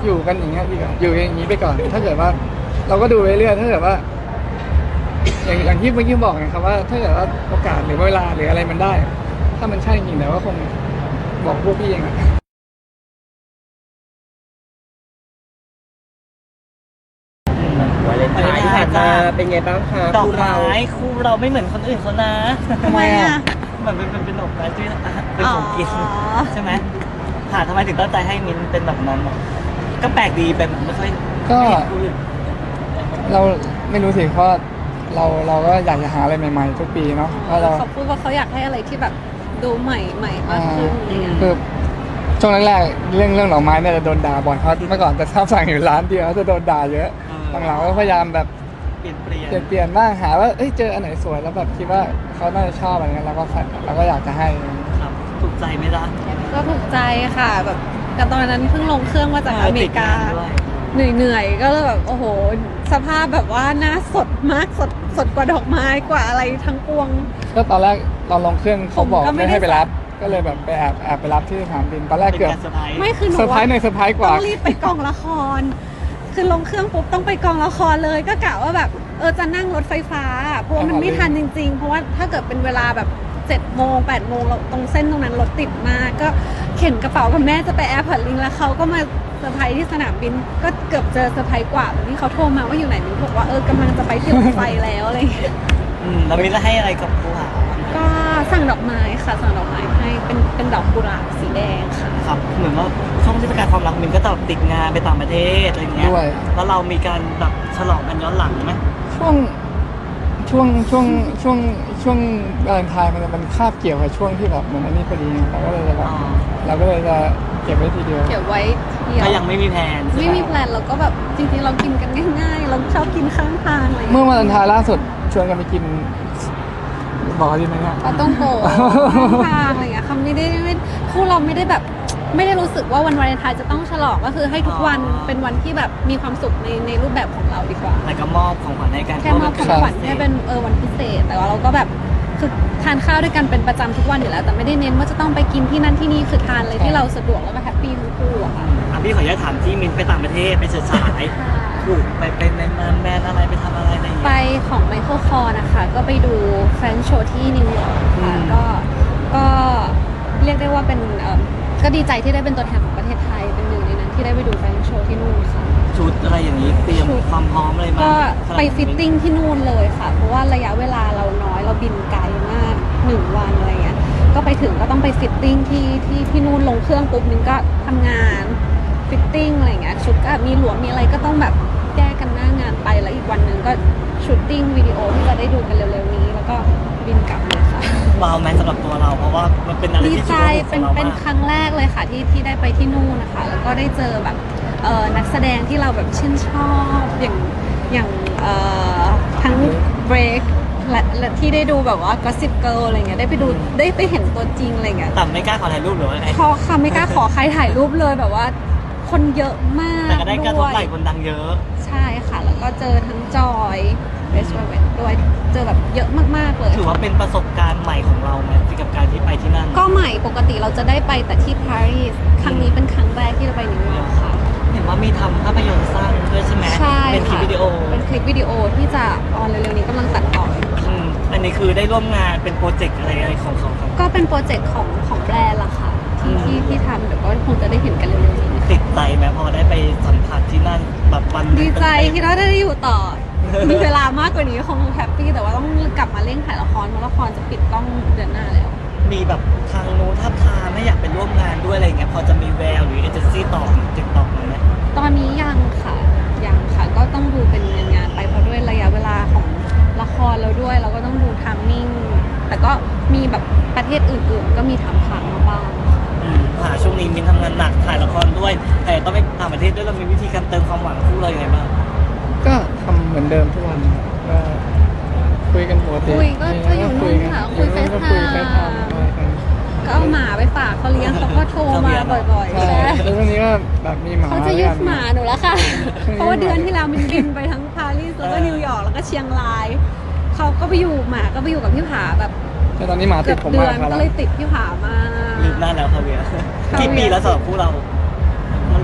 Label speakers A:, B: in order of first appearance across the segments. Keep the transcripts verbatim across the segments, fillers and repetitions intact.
A: อยู่กันอย่างเงี้ยดีกว่าอยู่อย่างนี้ไปก่อนถ้าเกิดว่าเราก็ดูไปเรื่อยถ้าเกิดว่าอย่างอย่างที่เมื่อกี้บอกไงครับว่าถ้าเกิดว่าโอกาสหรือเวลาหรืออะไรมันได้ ถ้ามันใช่จริงแต่ว่าคงบอกพวกพี่เองอะ
B: วาเลนไทน์ที่ผ่านมาเป็นไงบ้างคะ
C: ดอก
B: คู่เรา
C: ไม้คู่เราไม่เหมือนคนอื่นเขานะ
A: ทำไมอะ
C: เหมือนเป็นเป็นเป็นดอกไม้ที่เป็นของกินใช่ไหมค่ะทำไมถึงตั้งใจให้มิ้นเป็นแบบนั้นอะก็แปลกดีแบบไม่ค่อย
A: ก็
C: ไม่เห็นคู่อื่น
A: เราไม่รู้สิเพราะเราเราก็อยากจะหาอะไรใหม่ๆทุกปีเนาะเพราะเรา
D: เขาพูดว่าเขาอยากให้อะไรที่แบบดูใหม่ใหม่มากขึ้นอะไรเงี้ย
A: คือช่วงแรกๆเรื่องเรื่องดอกไม้เนี่ยจะโดนด่าบ่อยเพราะเมื่อก่อนจะชอบสั่งอยู่ร้านเดียวจะโดนด่าเยอะหลังๆก็พยายามแบบ
C: เปลี่ยนเปลี่ยน
A: เปลี่ยนเปลี่ยนบ้างหาว่าเอ้ยเจออันไหนสวยแล้วแบบคิดว่าเขาน่าจะชอบอะไรเงี้ยเราก็ใส่เราก็อยากจะให้
C: ครับถูกใจไหมล่ะ
D: ก็ถูกใจค่ะแบบแต่ตอนนั้นเพิ่งลงเครื่องมาจากอเมริกา
C: ติดงนด้วย
D: เหนื่อยเหนื่อยๆก็เลยแบบโอ้โหสภาพแบบว่าหน้าสดมากสดสดกว่าดอกไม้กว่าอะไรทั้งปวง
A: ก็ตอนแรกตอนลงเครื่องเขาบอก
D: ผมก็ไม่
A: ไม่
D: ได้
A: ให้ไปรับ ก็เลยแบบไปแอบแอบไปรับที่สนามบินตอนแรก
C: เป็น
A: เกือบ
C: การเซอร์ไพรส์
D: ไม่คือหนู
A: เซอร์ไพรส์ในเซอร์ไพรส์กว่า
D: ต้องรีบไปกองละคร คือลงเครื่องปุ๊บต้องไปกองละครเลยก็กะว่าแบบเออจะนั่งรถไฟฟ้าเพราะว่ามันไม่ทันจริงๆ เพราะว่าถ้าเกิดเป็นเวลาแบบเจ็ดโมงแปดโมงเราตรงเส้นตรงนั้นรถติดมากก็เข็นกระเป๋ากับแม่จะไปแอร์พอร์ตลิงแล้วเขาก็มาเซอร์ไพรส์ที่สนามบินก็เกือบเจอเซอร์ไพรส์กว่าตอนที่เขาโทรมาว่าอยู่ไหนมิ้นบอกว่าเออกำลังจะไปที่รถไฟแล้วอะไรอย่างเงี้ย
C: อืมแล้วมิ้นจะให้อะไรกับคู่หา
D: ก็สั่งดอกไม้ค่ะสั่งดอกไม้ให้เป็นเป็นดอกกุหลาบสีแดงค่ะ
C: ครับเหมือนว่าช่วงเทศกาลความรักมิ้นก็จะแบบติดงานไปต่างประเทศอะไรอย่างเงี้ย
A: ด้วย
C: แล้วเรามีการแบบฉลองกันย้อนหลังไหม
A: ช่วงช่วงช่วงช่วงช่วงวาเลนไทน์มันจะเป็นคาบเกี่ยวกับช่วงที่แบบเหมือนอันนี้พอดีเราก็เลยจะแบบเราก็เลยจะเก็บไว้ทีเดียว
D: เก็บไว้เที่ยว
C: ก็ยังไม่มีแผนใช่ห
D: ไม่มีแพลนเราก็แบบจริงๆเรากินกันง่ายๆ เราชอบกินข้างทางอะไรอย่าง
A: เมื่
D: เงี้
A: อย วาเลนไทน์ล่าสุดชวนกันไปกินบอกดีไหมเนี่ย
D: ปลาต้องโกะข้างทางอะไรอย่างเงี้ยคำไม่ได้ไม่คู่เราไม่ได้แบบไม่ได้รู้สึกว่าวันวาเลนไทน์จะต้องฉลองก็คือให้ทุกวันเป็นวันที่แบบมีความสุขในในรูปแบบของเราดีกว่า
C: แล้วก็มอบของขวัญให้กัน
D: แค่มอบของขวัญให้เป็นเออวันพิเศษ แต่ว่าเราก็แบบคือทานข้าวด้วยกันเป็นประจำทุกวันอยู่แล้ว แต่ไม่ได้เน้นว่าจะต้องไปกินที่นั่นที่นี่คือทานเลยที่เราสะดวกแล้วก็แฮปปี้ทั้งคู่อะค่ะ
C: อ่ะพี่ขออนุญาตถามที่มิ้นไปต่างประเทศไปเฉิดฉายถูกไปเป็นในงานแบรนด์อะไรไปทำอะไรอะไรอย่าง
D: ไป
C: เงี้ย
D: ของไมเคิลคอร์นะคะ ก็ไปดูแฟนโชว์ที่นิวยอร์กค่ะ
C: อืม
D: ก็ก็เรียกได้ว่าเป็นเอ่อก็ดีใจที่ได้เป็นตัวแทนของประเทศไทยเป็นหนึ่งในนั้นที่ได้ไปดูแฟนโชว์ที่นู่นค่ะ
C: ชุดอะไรอย่างนี้เตรียม
D: ชุด
C: ความพร้อมอะไรมา
D: ก็
C: สำหรับ
D: ไปฟิตติ้งที่นู่นเลยค่ะ เพราะว่าระยะเวลาเราน้อยเราบินไกลมากหนึ่งวันอะไรเงี้ยก็ไปถึงก็ต้องไปฟิตติ้งที่ที่ที่นู่นลงเครื่องปุ๊บนึงก็ทำงานฟิตติ้งอะไรเงี้ยชุดก็มีหลวมมีอะไรก็ต้องแบบแก้กันหน้างานไปแล้วอีกวันหนึ่งก็ชูตติ้งวิดีโอที่จะได้ดูกันเร็วๆนี้ แล้วก็บินกลับเลยค่ะ
C: ว้าวไหมสำหรับตัวเราเพราะว่ามันเป็นอะไร
D: ดี
C: ที่
D: ใจ
C: ชุด
D: เป็น
C: ของเรา
D: เป็น
C: มาก
D: ครั้งแรกเลยค่ะที่ที่ได้ไปที่นู่นนะคะ แล้วก็ได้เจอแบบเอ่อนักแสดงที่เราแบบชื่นชอบอย่างอย่างเอ่อทั้ง Break และและที่ได้ดูแบบว่า Gossip Girl อะไรเงี้ยได้ไปดูได้ไปเห็นตัวจริงอะไรเงี้ย
C: แต่ไม่กล้าขอถ่ายรูปหรือว่าไง
D: พอค่ะไม่กล้าขอใครถ่ายรูปเลยแบบว่าคนเยอะมาก
C: แต่ก็ได้กระท
D: ด้
C: บ
D: วย
C: ไหล่คนดังเยอะ
D: ใช่ค่ะ แล้วก็เจอทั้งจอยเบสเวทด้วยเจอแบบเยอะมากๆเลย
C: ถือว่าเป็นประสบการณ์ใหม่ของเราไหมกับการที่ไปที่นั่น
D: ก็ใหม่ปกติเราจะได้ไปแต่ที่ปารีสครั้งนี้เป็นครั้งแรกที่เราไปนิวยอร์กค่ะ
C: เห็นว่ามีทำภาพยนตร์สั้นด้วยใช่ไหม
D: ใช่
C: เป็นคลิป
D: ค่ะ
C: วิดีโอ
D: เป็นคลิปวิดีโอที่จะออนเร็วๆนี้กำลังตัดต่ออยู่
C: อืมอันนี้คือได้ร่วมงานเป็นโปรเจกต์อะไรอะไรของเขาครับ
D: ก็เป็นโปรเจกต์ของของแบรนด์ละค่ะ ที่
C: อืม
D: ที่ที่ทำเดี๋ยวก็คงจะได้เห็นกันเร็วๆนี้ค่ะ
C: ติดใจไหมพอได้ไปสัมผัสที่นั่นแบบวันหนึ่ง
D: ดีใจ
C: เต็มๆ
D: ที่เราได้อยู่ต่อ มีเวลามากกว่านี้คงแฮปปี้แต่ว่าต้องกลับมาเร่งถ่ายละครเพราะละครจะปิดกล้องเดือนหน้าแล้ว
C: มีแบบทางนู้นทับทามไม่อยากไปร่วมงานด้วยอะไรเงี้ยพอจะมีแววหรือเอเจนซี่ต่อติดต่อมาไหม
D: ตอนนี้ยังค่ะยังค่ะก็ต้องดูเป็นงานงานๆไปเพราะด้วยระยะเวลาของละครเราด้วยเราก็ต้องดูทามมิ่งแต่ก็มีแบบประเทศอื่นๆ ก็มีถามถามๆมาบ้าง
C: อืมค่ะช่วงนี้มินทำงานหนักถ่ายละครด้วย แต่ต้องไปต่างประเทศด้วยเรามีวิธีการเติมความหวังคู่เราอย่างไรบ้าง
A: ก็ทำเหมือนเดิมทุกวันก็คุยกันปกติ
D: คุยก็ก็อยู่นู่นค่ะคุย
A: อ
D: เฟ
A: นู่น
D: ซ
A: ก็
D: ไท
A: คุยเฟซไท
D: ม์
A: ม์อะไรกัน
D: ก็เอาหมาไปฝากเขาเลี้ยงเขาก็โทรมาบ่อยๆ
A: ใช่
D: ใช่
A: แล้วช่วงนี้ก็แบบมีหมา
D: เขาจะยึดหมาหนูแล้วค่ะ
A: ช่วงนี้
D: เพราะว่าเดือนที่แล้วมันบินไปทั้งปารีสแล้วก็นิวยอร์กแล้วก็เชียงรายเขาก็ไปอยู่หมาก็ไปอยู่กับพี่ผาแบบ
A: แต่ตอนนี้หมาติ
D: เกื
A: ด
D: อบ
A: ผม
D: เดื
A: มา
D: อก น
A: ครับ
D: ก็เลยติดพี่ผามา
C: ลืมหน้าแล้วคาเวียร์
D: คาเวียร์
C: กี่ปีแล้วสำหรับคู่เรา มัน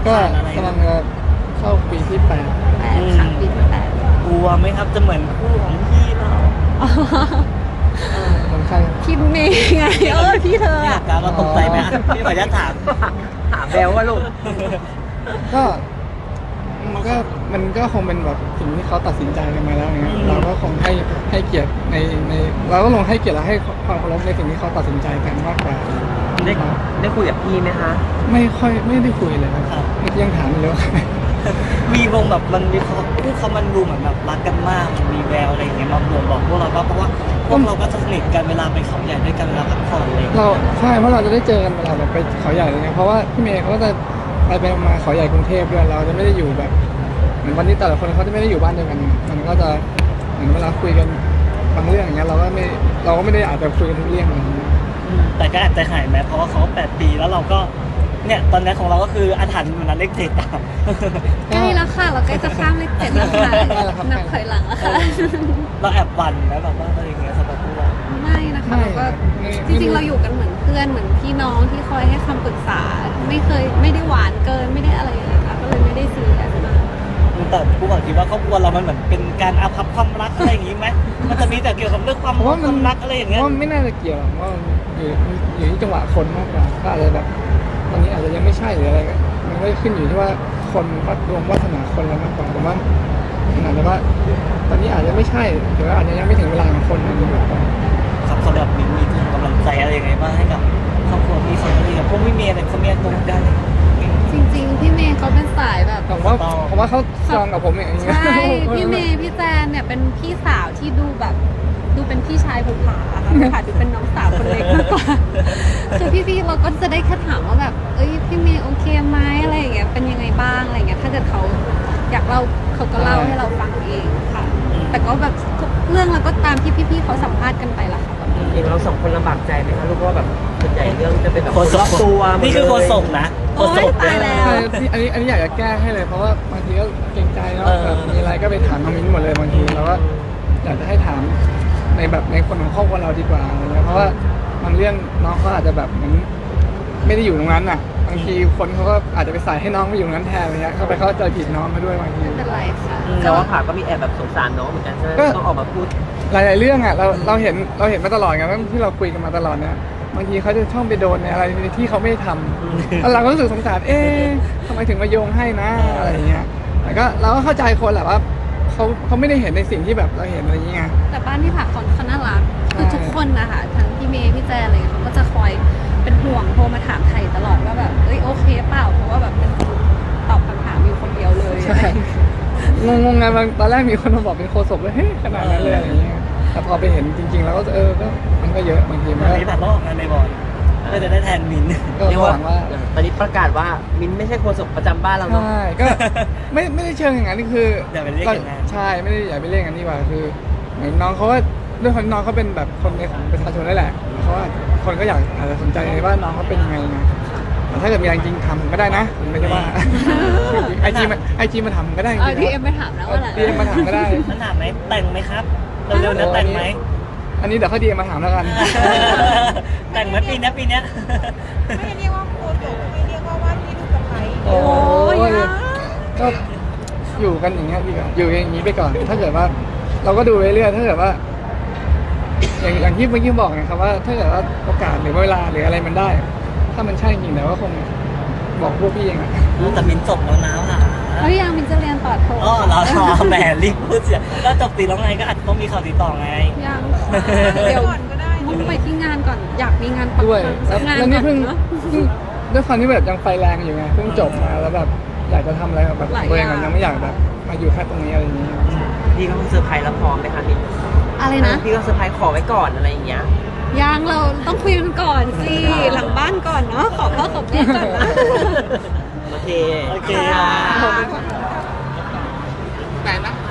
A: ก็กำลังจะเข้าปีที่แปด
D: แปดค่ะปีที่แปด
C: กลัวไหมครับจะเหมือนคู่ของพี่เรา
D: อ๋อ
A: คนไข้
D: พี่เมย์ไงเออพี่เธอ
C: พี่
D: อะ
C: การเราตกใจไหมอ่ะพี่ขออนุญาตถาม
B: ถามแบลว่าลูก
A: ก็มันก็มันก็คงเป็นแบบสิ่งที่เขาตัดสินใจกันมาแล้วไงเราก็คงให้ให้เกียรติในในเราก็ลงให้เกียรติและให้ความเคารพในสิ่งที่เขาตัดสินใจกันมากกว่า
B: ได้ได้คุยกับพี่ไหมคะ
A: ไม่ค่อยไม่ได้คุยเลยครับเมื่อกี้ยังถามอยู่เลยว่า
C: มีวงแบบมันมีเขาคู่เขามันดูเหมือนแบบรักกันมากมันมีแววอะไรอย่างเงี้ยมาบ่งบอกพวกเราว่าเพราะว่าพวกเราก็สนิทกันเวลาไปเขาใหญ่ด้วยกันเวลาพักผ่อนอะไรอย่างเลย
A: เราใช่เพราะเราจะได้เจอกันเวลาแบบไปเขาใหญ่อะไรเงี้ยเพราะว่าพี่เมย์เขาก็จะไปไปมาเขาใหญ่กรุงเทพด้วยเราจะไม่ได้อยู่แบบเหมือนวันนี้แต่ละคนเขาจะไม่ได้อยู่บ้านเดียวกันมันก็จะเหมือนเวลาคุยกันบางเรื่องอย่างเงี้ยเราก็ไม่เราก็ไม่ได้อาจจะคุยกันทุกเรื่องอะไรอย่างเงี้ย
C: แต่ก็อาจจะหายไหมเพราะว่าเขาแปดปีแล้วเราก็เนี่ยตอนนี้ของเราก็คืออาถรรพ์อยู่นั้นเลขเจ็ดอ่ะ
D: ใกล้แล้วค่ะ เราใกล้จะข้ามเลขเจ็ดแล้วค่ะนับถอยหลังแล้วค่ะ
C: เราแอบหวันนะแบบว่าอะไรอย่างเงี้ยสำหรับพวกเรา
D: ไม่นะคะเราก็จริงๆเราอยู่กันเหมือนเพื่อนเหมือนพี่น้องที่คอยให้คำปรึกษา ไม่เคยไม่ได้หวานเกินไม่ได้อะไรเลยค่ะก็เลยไม่ได้ซีเรียสมาก
C: แต่ผู้บอกคิดว่าครอบครัวเรามันเหมือนเป็นการอาภัพความรักอะไรอย่างงี้ไหมมันจะมีแต่เกี่ยวกับเรื่องความ
A: เพราะว่า
C: ค
A: มัน
C: วามรักอะไรอย่างเงี้ย
A: ว่าไม่น่าจะเกี่ยวหรอกว่าอยู่อยู่ที่จังหวะคนมากกว่าก็อาจจะแบบตอนนี้อาจจะยังไม่ใช่หรืออะไรก็มันก็ขึ้นอยู่ที่ว่าคนวัดดวงวัฒนาคนเรามากกว่าแต่ว่ามันอาจจะว่าตอนนี้อาจจะไม่ใช่หรือว่าอาจจะยังไม่ถึงเวลาของคนมันอยู่ก่อน
C: ครับสำหรับมิ้นมีกำลังใจอะไรยังไงบ้างให้กับครอบครัวพี่เขาดีกับพวกพี่เมย์เนี่ยเขามีตรงกัน
D: จริงๆ พี่เมย์เขาเป็นสายแบบ
A: ผมว่าผมว่าเขาซองกับผมอย่างเงี้ย
D: ใช่ พี่เมย์พี่แจนเนี่ยเป็นพี่สาวที่ดูแบบดูเป็นพี่ชายภูผาค่ะภูผาดูเป็นน้องสาวคนเล็กมากกว่า คือพี่ๆเราก็จะได้แค่ถามว่าแบบ เอ้ยพี่เมย์โอเคไหมอะไรอย่างเงี้ย เป็นยังไงบ้างอะไรอย่างเงี้ย ถ้าเกิดเขาอยากเล่าเขาก็เล่าให้เราฟังเองค่ะ แต่ก็แบบทุกเรื่องเราก็ตามที่พี่ๆเขาสัมภาษณ์กันไปละค่ะ
B: เองเราสองคนลำบากใจไหมคะลูกว่าแบบส่วนใหญ่เรื่องจะเป็นแบบ
C: โค
B: คน
C: ศ
B: รอบตัวหมด
C: นี่คือโคศกนะ
D: โอ๊ยตายแล้ว
A: ใช่ที่อันนี้อันนี้อยากจะแก้ให้เลยเพราะว่าบางทีก็เกรงใจเนาะ
C: เออ
A: แบบมีอะไรก็ไปถามน้องมิ้นหมดเลยบางทีเราก็อยากจะให้ถามในแบบในคนของครอบครัวเราดีกว่าอะไรเงี้ยเพราะว่าบางเรื่องน้องเขาอาจจะแบบเหมือนไม่ได้อยู่ตรงนั้นอ่ะบางทีคนเขาก็อาจจะไปใส่ให้น้องไปอยู่ตรงนั้นแทนอะไรเงี้ยเขาไปเข้าใจผิดน้องมาด้วยบางที
D: ไม่เป็นไรค่ะ
B: แต่ว่าผ่าก็มีแอบแบบสงสารน้องเหมือนกันใช่ไหม
A: ก็
B: ต้องออกมาพูด
A: หลาย ๆ เรื่องอ่ะเราเราเห็นเราเห็นมาตลอดไงว่าที่เราคุยกันมาตลอดเนี่ยบางทีเขาจะช่องไปโดนในอะไรที่เขาไม่ได้ทำแล้วเราก็รู้สึกสงสารเอ๊ะทำไมถึงมาโยงให้นะอะไรอย่างเงี้ยแต่ก็เราก็เข้าใจคนแหละว่าเขาเขาไม่ได้เห็นในสิ่งที่แบบเราเห็นอะไรอย่างเงี้ย
D: แต่บ้านที่ผักเขาเขาน่ารักคือ
A: ใช่
D: ทุกคนนะคะทั้งพี่เมย์พี่แจนอะไรเงี้ยเขาก็จะคอยเป็นห่วงโทรมาถามไทยตลอดว่าแบบเอ้ยโอเคเปล่าเพราะว่าแบบเป็นคนตอบคำถามอยู่คนเดียวเลย
A: ใช่งงงๆไงบางตอนแรกมีคนมาบอกเป็นโคศกเลยเฮ้ยขนาดนั้นเลยอะไรอย่างเงี้ยแต่พอไปเห็นจริง ๆ แล้วก็เออก็มันก็เยอะบางทีมัน
C: วัน
A: ก็
C: นี้แบบต้องออกงานบ่อยๆเพื่อจะได้แทนมิน
A: ก็
B: เรียก
A: ห
B: ว่า
A: วังว่า
B: ตอนนี้ประกาศว่ามินไม่ใช่โฆษกประจำบ้านเราเนาะ
A: ใช่ก็ไม่ไม่ได้เชิงอย่างนั้นนี่คือ
C: อย่าไปเรียกอย่างนั้น
A: ใช่ไม่ได้อย่าไปเรียกอย่างนั้นดีกว่าคือเหมือนน้องเขาก็ด้วยคนน้องเขาเป็นแบบคนในของประชาชนนั่นแหละเขาว่าคนก็อยากอาจจะสนใจว่าน้องเขาเป็นยังไงนะแต่ถ้าเกิดมีอะไรจริงทำก็ได้นะผมไม่ใช่ว่าไอจีมันไอจีมาทำก็ได้จ
D: เออ
A: ริง
D: ที่
A: ๆ
D: เอ็มไปถามแล้วว่าอะไร
A: ดีเอ็มมาถามก็ได้
C: นั่นถามไหมแต่งไหมครับเร็วๆนะแต่งไหม
A: อันนี้เดี๋ยวเขาดีเอ็มมาถามแล้วกัน
C: แต่งไหมปีเนี้ยปีเนี้ย
E: ไม่เรียกว่าโคตกไม่เรียกว่าว่าที่ลูกสะใภ้
A: โอ้
D: ย
A: ยก็อยู่กันอย่างเงี้ยดีกว่าอยู่อย่างนี้ไปก่อน ถ้าเกิดว่า เราก็ดูเรื่อยๆถ้าเกิดว่า อย่างอย่างที่เมื่อกี้บอกไงครับว่า ถ้าเกิดว่าโอกาสหรือเวลาหรืออะไรมันได้ ถ้ามันใช่จริงแต่ว่าคงบอกพวกพี่เองอะ
C: แต่มินจบแล้วนะค่ะ
D: เฮ้ยยังมินจะเรียนต่อโท
C: อ๋อเราทอแหมรีบพูดเสียแล้วจบตีแล้วไงก็อาจจะต้องมีข่าวตีต่อไง
D: ยังค่ะเดี๋ยว
E: ก่อนก็ได้
D: มุ่งไปที่งานก่อนอยากมีงานปังๆ
A: ด้วย
D: สั
A: แล้ว
D: กงาน
A: แล้วนี่
D: ก่
A: เพิ่
D: อน
A: ง
D: เนอะ
A: เพิ่งด้วยความที่แบบยังไฟแรงอยู่ไงเพิ่งจบมาแล้วแบบอยากจะทำอะไรแบบ
D: หลาย
A: ตัวเอง
D: อย่าง
A: อะยังไม่อยากแบบมาอยู่แค่ตรงนี้อะไรอย่างเงี้ย
B: พี่ก็เซอร์ไพรส์แล้วพร้อมไหมคะมิน
D: อะไรนะ
B: พี่ก็เซอร์ไพรส์ขอไว้ก่อนอะไรอย่างเงี้ย
D: ยังเราต้องคุยกันก่อนสิหลังบ้านก่อนเนาะขอพ่อขอแม่ก่อนนะ
B: โอเค
C: โอเค
D: ค่ะ
C: ขอบคุณค่ะ